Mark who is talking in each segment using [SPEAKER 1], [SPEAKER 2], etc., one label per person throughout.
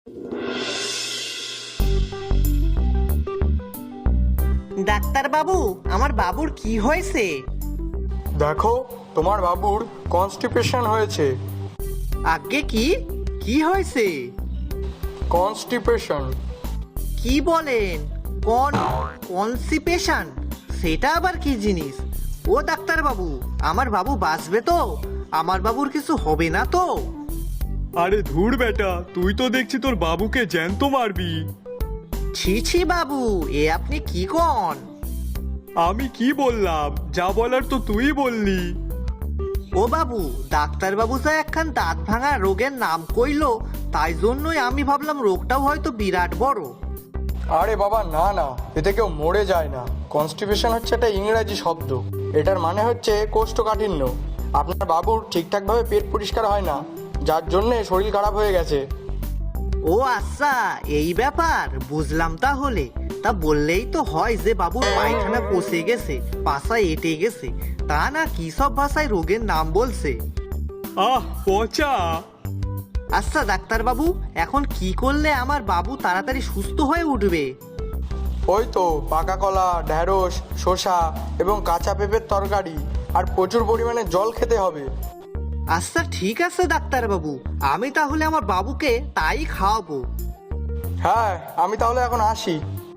[SPEAKER 1] Doctor বাবু, আমার বাবুর কি হয়েছে?
[SPEAKER 2] দেখো, তোমার বাবুর কনস্টিপেশন হয়েছে।
[SPEAKER 1] আগে কি কি হয়েছে?
[SPEAKER 2] কনস্টিপেশন।
[SPEAKER 1] কি বলেন? কনসিপেশন? সেটা আবার কি জিনিস? ও ডাক্তার বাবু, আমার বাবু বাঁচবে তো? আমার বাবুর কিছু হবে না তো?
[SPEAKER 3] আরে ধুর বেটা, তুই তো দেখছি তোর বাবুকে জ্যান্ত মারবি।
[SPEAKER 1] ছি ছি বাবু, এ আপনি কি কন?
[SPEAKER 3] আমি কি বললাম? যা বলার তো তুই বললি।
[SPEAKER 1] ও বাবু, ডাক্তার বাবু যা একখান দাঁত ভাঙা রোগের নাম কইলো, তাই জন্যই আমি ভাবলাম রোগটাও হয়তো বিরাট বড়।
[SPEAKER 2] আরে বাবা, না না, এতে কেউ মরে যায় না। কনস্টিপেশন হচ্ছে একটা ইংরেজি শব্দ। এটার মানে হচ্ছে কোষ্ঠকাঠিন্য। আপনার বাবুর ঠিকঠাকভাবে পেট পরিষ্কার হয় না, যার জন্যে শরীর খারাপ হয়ে গেছে।
[SPEAKER 1] ও আচ্ছা, এই ব্যাপার, বুঝলাম। তাহলে তা বললেই তো হয় যে বাবুর পায়খানা পচে গেছে, পাছা এঁটে গেছে, তা না কি সব ভাষায় রোগের নাম বলছে।
[SPEAKER 3] আহ পচা!
[SPEAKER 1] আচ্ছা ডাক্তার বাবু, এখন কি করলে আমার বাবু তাড়াতাড়ি সুস্থ হয়ে উঠবে?
[SPEAKER 2] ওই তো পাকা কলা, ঢ্যাঁড়স, শসা এবং কাঁচা পেঁপের তরকারি আর প্রচুর পরিমাণে জল খেতে হবে।
[SPEAKER 1] আচ্ছা ঠিক আছে ডাক্তার বাবু, আমি তাহলে আমার বাবুকে তাই খাওয়াবো।
[SPEAKER 2] হ্যাঁ, আমি তাহলে এখন আসি।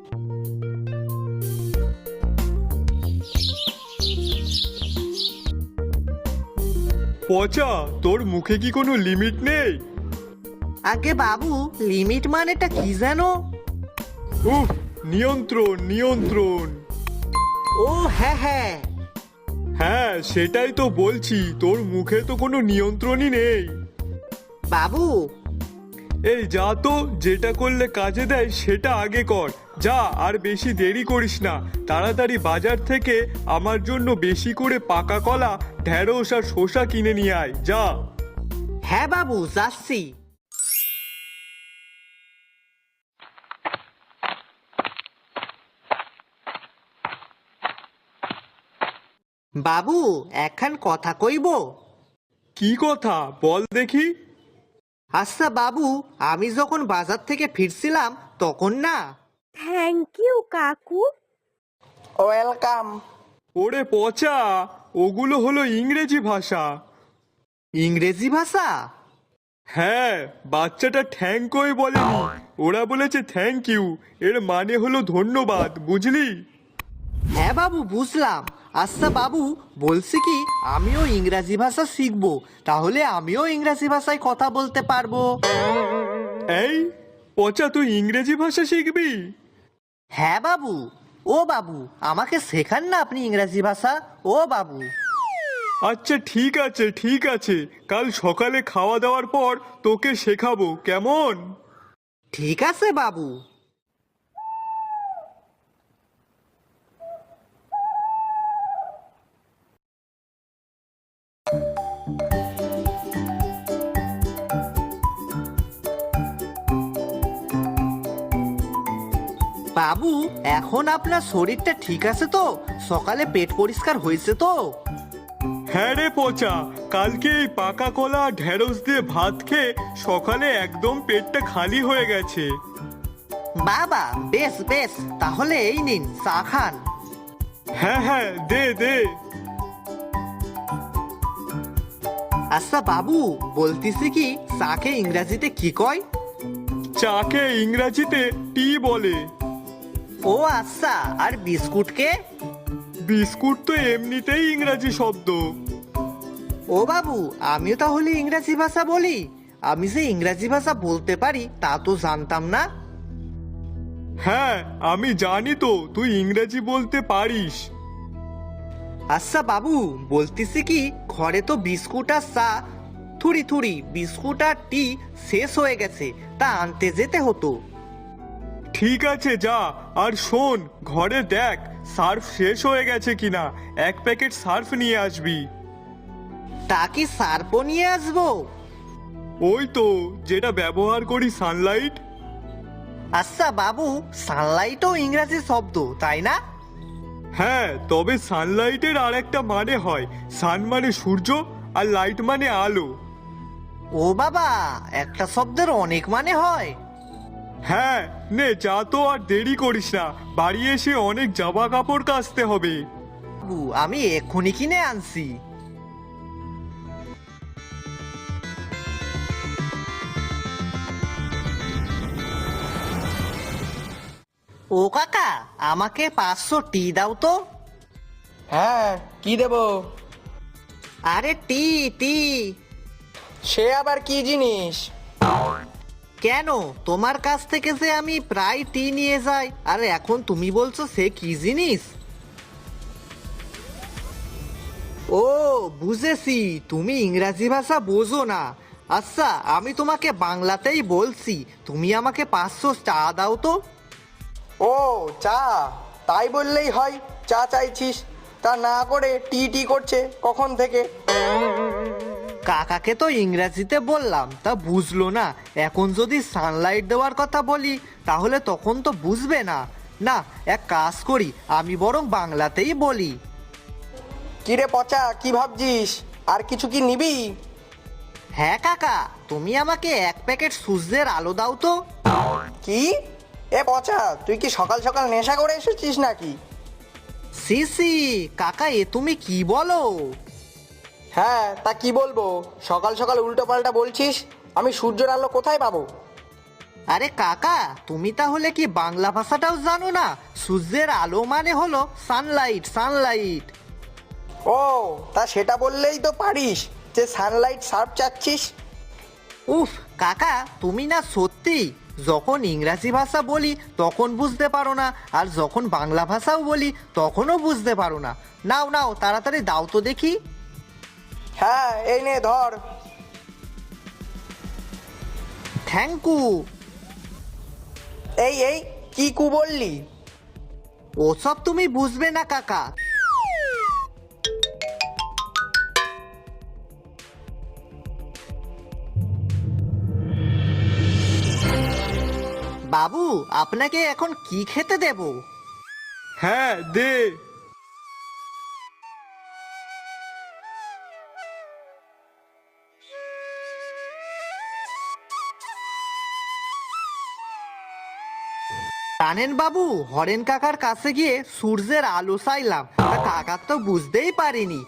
[SPEAKER 3] পচা, তোর মুখে কি কোনো লিমিট নেই?
[SPEAKER 1] আগে বাবু, লিমিট মানেটা কি জানো?
[SPEAKER 3] উফ, নিয়ন্ত্রণ নিয়ন্ত্রণ।
[SPEAKER 1] ও হ্যাঁ হ্যাঁ।
[SPEAKER 3] হ্যাঁ, সেটাই তো বলছি, তোর মুখে তো কোনো নিয়ন্ত্রণই নেই।
[SPEAKER 1] বাবু,
[SPEAKER 3] এই যা তো, যেটা করলে কাজে দেয় সেটা আগে কর। যা, আর বেশি দেরি করিস না। তাড়াতাড়ি বাজার থেকে আমার জন্য বেশি করে পাকা কলা, ঢ্যাঁড়স আর শসা কিনে নিয়ে আয়, যা।
[SPEAKER 1] হ্যাঁ বাবু, যাচ্ছি। বাবু, একখান কথা কইব?
[SPEAKER 3] কি কথা বল দেখি।
[SPEAKER 1] আচ্ছা বাবু, আমি যখন বাজার থেকে ফিরছিলাম তখন না।
[SPEAKER 4] থ্যাংক ইউ কাকু।
[SPEAKER 2] ওয়েলকাম।
[SPEAKER 3] ওরে পচা, ওগুলো হলো ইংরেজি ভাষা।
[SPEAKER 1] ইংরেজি ভাষা?
[SPEAKER 3] হ্যাঁ, বাচ্চাটা থ্যাংকই বলেনি, ওরা বলেছে থ্যাংক ইউ। এর মানে হলো ধন্যবাদ, বুঝলি?
[SPEAKER 1] হ্যাঁ বাবু, বুঝলাম। আচ্ছা বাবু, বলছি কি, আমিও ইংরাজি ভাষা শিখবো, তাহলে আমিও ইংরাজি ভাষায় কথা বলতে পারবো।
[SPEAKER 3] এই পচা, তুই ইংরেজি ভাষা শিখবি?
[SPEAKER 1] হ্যাঁ বাবু। ও বাবু, আমাকে শেখান না আপনি ইংরাজি ভাষা, ও বাবু।
[SPEAKER 3] আচ্ছা ঠিক আছে ঠিক আছে, কাল সকালে খাওয়া দাওয়ার পর তোকে শেখাবো, কেমন?
[SPEAKER 1] ঠিক আছে বাবু। বাবু, এখন আপনার শরীরটা ঠিক আছে তো? সকালে পেট পরিষ্কার হয়েছে তো?
[SPEAKER 3] হ্যাঁ রে পচা, কালকে এই পাকা কলা ঢেঁড়স দিয়ে ভাত খেয়ে সকালে একদম পেটটা খালি হয়ে গেছে।
[SPEAKER 1] বাবা, বেশ বেশ, তাহলে এই নিন, চা খান।
[SPEAKER 3] হ্যাঁ হ্যাঁ, দে দে।
[SPEAKER 1] আচ্ছা বাবু, বলতেছি কি, চাকে ইংরাজিতে কি কয়?
[SPEAKER 3] চাকে ইংরাজিতে টি বলে।
[SPEAKER 1] ও আচ্ছা, আর বিস্কুটকে?
[SPEAKER 3] বিস্কুট তো এমনিতেই ইংরাজি শব্দ।
[SPEAKER 1] ও বাবু, আমিও তাহলে ইংরাজি ভাষা বলি? আমি যে ইংরাজি ভাষা বলতে পারি তা তো জানতাম না।
[SPEAKER 3] হ্যাঁ, আমি জানি তো তুই ইংরেজি বলতে পারিস।
[SPEAKER 1] আচ্ছা বাবু, বলতেছি কি, ঘরে তো বিস্কুট আর চা, থুড়ি থুড়ি বিস্কুট আর টি শেষ হয়ে গেছে, তা আনতে যেতে হতো।
[SPEAKER 3] ঠিক আছে যা, আর শোন, ঘরে দেখ সার্ফ শেষ হয়ে গেছে কিনা, এক প্যাকেট সার্ফ নিয়ে আসবি।
[SPEAKER 1] তা কি সার্পও নিয়ে আসবো?
[SPEAKER 3] ওই তো, যেটা ব্যবহার করি সানলাইট।
[SPEAKER 1] আচ্ছা বাবু, সানলাইটও ইংরাজি শব্দ, তাই না?
[SPEAKER 3] হ্যাঁ, তবে সানলাইটের আর একটা মানে হয়। সান মানে সূর্য, আর লাইট মানে আলো।
[SPEAKER 1] ও বাবা, একটা শব্দের অনেক মানে হয়।
[SPEAKER 3] হ্যাঁ, নে যা তো, আর দেরি করিস না, বাড়ি এসে অনেক জামা কাপড় কাচতে হবে।
[SPEAKER 1] বাবু আমি এক্ষুনি কিনে আনছি। ও কাকা, আমাকে 500 টি দাও তো।
[SPEAKER 2] হ্যাঁ, কি দেব?
[SPEAKER 1] আরে টি টি।
[SPEAKER 2] সে আবার কি জিনিস?
[SPEAKER 1] কেন, তোমার কাছ থেকে যে আমি প্রায় টি নিয়ে যাই, আর এখন তুমি বলছো সে কি জিনিস? ও বুঝেছি, তুমি ইংরাজি ভাষা বোঝো না। আচ্ছা, আমি তোমাকে বাংলাতেই বলছি, তুমি আমাকে 500 চা দাও তো।
[SPEAKER 2] ও চা, তাই বললেই হয়? চা চাইছিস, তা না করে টি টি করছে কখন থেকে?
[SPEAKER 1] কাকাকে তো ইংরাজিতে বললাম, তা বুঝলো না। এখন যদি সানলাইট দেওয়ার কথা বলি তাহলে তখন তো বুঝবে না। না, এক কাজ করি, আমি বরং বাংলাতেই বলি।
[SPEAKER 2] কিরে পচা, কি ভাবছিস? আর কিছু কি নিবি?
[SPEAKER 1] হ্যাঁ কাকা, তুমি আমাকে 1 প্যাকেট সূর্যের আলো দাও তো।
[SPEAKER 2] কি? এ পচা, তুই কি সকাল সকাল নেশা করে এসেছিস নাকি?
[SPEAKER 1] সি সি কাকা, এ তুমি কি বলো?
[SPEAKER 2] হ্যাঁ, তা কি বলবো? সকাল সকাল উল্টো পাল্টা বলছিস। আমি সূর্যের আলো কোথায় পাবো?
[SPEAKER 1] আরে কাকা, তুমি তাহলে কি বাংলা ভাষাটাও জানো না? সূর্যের আলো মানে হলো সানলাইট, সানলাইট।
[SPEAKER 2] ও, তা সেটা বললেই তো পারিস যে সানলাইট সার্ফ চাচ্ছিস।
[SPEAKER 1] উফ কাকা, তুমি না সত্যি যখন ইংরাজি ভাষা বলি তখন বুঝতে পারো না, আর যখন বাংলা ভাষাও বলি তখনও বুঝতে পারো না। নাও নাও, তাড়াতাড়ি দাও তো দেখি।
[SPEAKER 2] হ্যাঁ, এই নে ধর।
[SPEAKER 1] Thank you.
[SPEAKER 2] এই এই, কি কু বললি?
[SPEAKER 1] ওসব তুমি বুঝবে না কাকা। বাবু, আপনাকে এখন কি খেতে দেব?
[SPEAKER 3] হ্যাঁ দে।
[SPEAKER 1] জানেন বাবু, হরেন কাকার কাছে গিয়ে সূর্যের আলো চাইলাম, তা কাকা তো বুঝতেই পারিনি।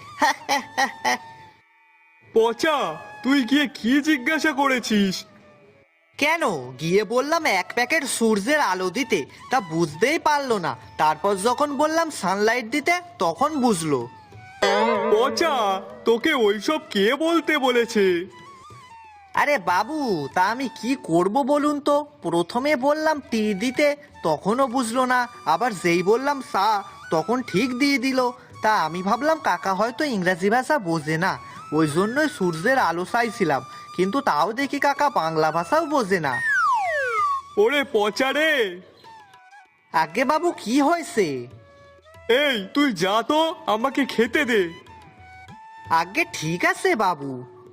[SPEAKER 3] পচা, তুই গিয়ে কি জিজ্ঞাসা করেছিস?
[SPEAKER 1] কেন, গিয়ে বললাম 1 প্যাকেট সূর্যের আলো দিতে, তা বুঝতেই পারলো না। তারপর যখন বললাম সানলাইট দিতে তখন বুঝলো।
[SPEAKER 3] পচা, তোকে ওইসব কে বলতে বলেছে?
[SPEAKER 1] আরে বাবু, তা আমি কি করব বলুন তো? প্রথমে বললাম টি দিতে, তখনও বুঝলো না। আবার যেই বললাম চা, তখন ঠিক দিয়ে দিল। তা আমি ভাবলাম কাকা হয়তো ইংরাজি ভাষা বোঝে না, ওই জন্যই সূর্যের আলো চাইছিলাম। কিন্তু তাও দেখি কাকা বাংলা ভাষাও বোঝে না।
[SPEAKER 3] ওরে পচা রে!
[SPEAKER 1] আগে বাবু, কি হয়েছে?
[SPEAKER 3] এই তুই যা তো, আমাকে খেতে দে।
[SPEAKER 1] আগে ঠিক আছে বাবু।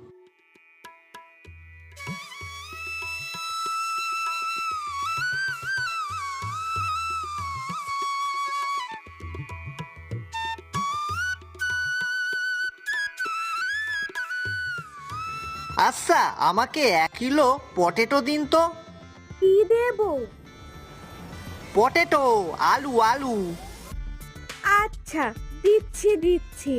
[SPEAKER 1] আচ্ছা, আমাকে 1 কিলো পটেটো দিন তো।
[SPEAKER 4] কি দেবো?
[SPEAKER 1] পটেটো, আলু আলু।
[SPEAKER 4] আচ্ছা, দিচ্ছি দিচ্ছি।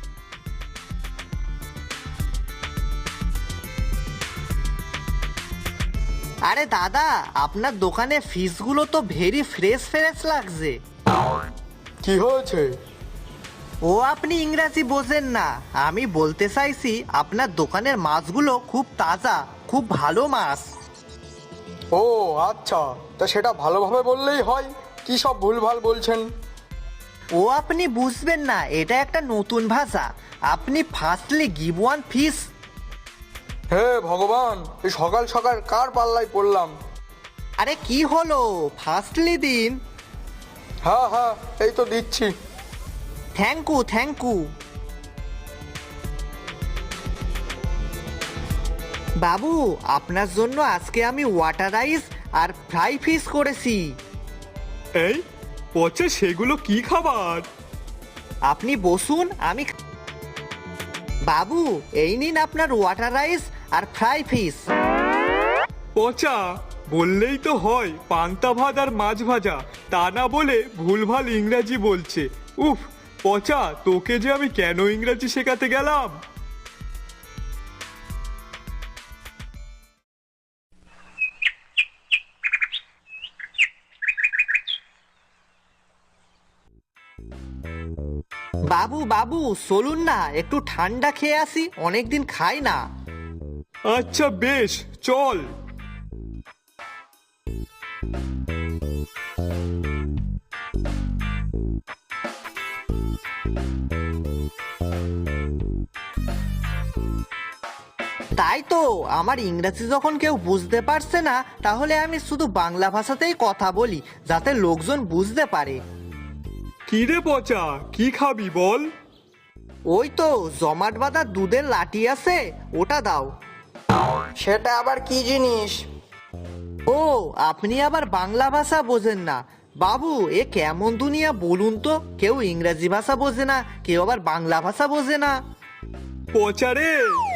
[SPEAKER 1] আরে দাদা, আপনার দোকানে ফিশগুলো তো ভেরি ফ্রেশ ফ্রেশ লাগছে।
[SPEAKER 2] কি হয়েছে?
[SPEAKER 1] ও আপনি ইংরাজি বোঝেন না, আমি বলতে চাইছি আপনার দোকানের মাছগুলো খুব তাজা, খুব ভালো মাছ।
[SPEAKER 2] ও আচ্ছা, তা সেটা ভালোভাবে বললেই হয়। কি সব ভুলভাল বলছেন?
[SPEAKER 1] ও আপনি বুঝবেন না, এটা একটা নতুন ভাষা। আপনি ফার্স্টলি গিভ ওয়ান ফিশ।
[SPEAKER 2] হে ভগবান, এই সকাল সকাল কার পাল্লায় পড়লাম?
[SPEAKER 1] আরে কি হলো, ফার্স্টলি দিন।
[SPEAKER 2] হ্যাঁ হ্যাঁ, এই তো দিচ্ছি।
[SPEAKER 1] Thank you, thank you. বাবু, আপনার জন্য আজকে আমি ওয়াটার রাইস আর ফ্রাই ফিশ করেছি।
[SPEAKER 3] এই পচা, সেগুলো কি খাবার?
[SPEAKER 1] আপনি বসুন, আমি বাবু, এই নিন আপনার ওয়াটার রাইস আর ফ্রাই ফিশ।
[SPEAKER 3] পচা, বললেই তো হয় পান্তা ভাত আর মাছ ভাজা, তা না বলে ভুলভাল ইংরাজি বলছে। উফ, পচা, তোকে যে আমি কেন ইংরাজি শেখাতে গেলাম।
[SPEAKER 1] বাবু বাবু চলুন না, একটু ঠান্ডা খেয়ে আসি, অনেকদিন খাই না।
[SPEAKER 3] আচ্ছা বেশ, চল।
[SPEAKER 1] তাই তো, আমার ইংরেজি যখন কেউ বুঝতে পারছে না, তাহলে আমি শুধু বাংলা ভাষাতেই কথা বলি, যাতে লোকজন বুঝতে পারে।
[SPEAKER 3] কি রে পচা, কি খাবি বল?
[SPEAKER 1] ওই তো জমাট বাঁধা দুধের লাঠি আছে, ওটা দাও।
[SPEAKER 2] সেটা আবার কি জিনিস?
[SPEAKER 1] ও, আপনি আবার বাংলা ভাষা বোঝেন না? বাবু, এ কেমন দুনিয়া বলুন তো, কেউ ইংরেজি ভাষা বোঝে না, কেউ আবার বাংলা ভাষা বোঝে না।
[SPEAKER 3] পচা রে,